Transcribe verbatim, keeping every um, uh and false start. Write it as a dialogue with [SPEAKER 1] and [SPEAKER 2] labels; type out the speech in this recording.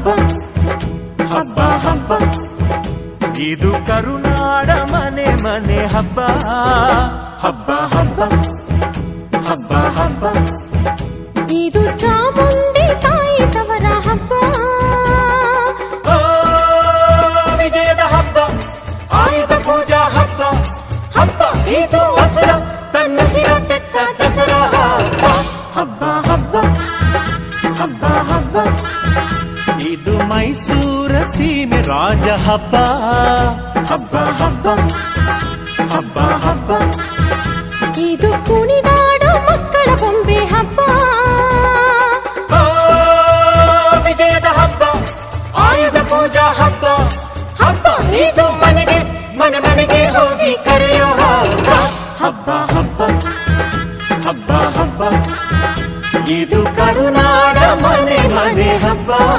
[SPEAKER 1] ಹಬ್ಬ ಹಬ್ಬ ಹಬ್ಬ ಇದು ಕರುನಾಡ ಮನೆ ಮನೆ ಹಬ್ಬ ಹಬ್ಬ ಹಬ್ಬ ಹಬ್ಬ ಹಬ್ಬ
[SPEAKER 2] ಇದು ಚಾಮುಂಡಿ ತಾಯಿ ತವರ ಹಬ್ಬ
[SPEAKER 1] ವಿಜಯದ ಹಬ್ಬ ಆಯುಧ ಪೂಜಾ ಹಬ್ಬ ಹಬ್ಬ ಇದು ಹಸುರ ತನ್ನ ಸಿರ ತೆತ್ತ ದಸರಾ ಹಬ್ಬ ಹಬ್ಬ ಹಬ್ಬ ಹಬ್ಬ ಇದು ಮೈಸೂರ ಸೀಮೆ ರಾಜ ಹಬ್ಬ ಹಬ್ಬ ಹಬ್ಬ ಹಬ್ಬ ಹಬ್ಬ
[SPEAKER 2] ಇದು ಕುಣಿದಾಡೋ ಮಕ್ಕಳ ಬೊಂಬೆ ಹಬ್ಬ
[SPEAKER 1] ವಿಜಯದ ಹಬ್ಬ ಆಯುಧ ಪೂಜಾ ಹಬ್ಬ ಹಬ್ಬ ಇದು ಮನೆಗೆ ಮನೆ ಮನೆಗೆ ಹೋಗಿ ಕರೆಯೋ ಹಬ್ಬ ಹಬ್ಬ ಹಬ್ಬ ಹಬ್ಬ ಹಬ್ಬ ಇದು ಕರುನಾಡ ಮನೆ ಮನೆ ಹಬ್ಬ.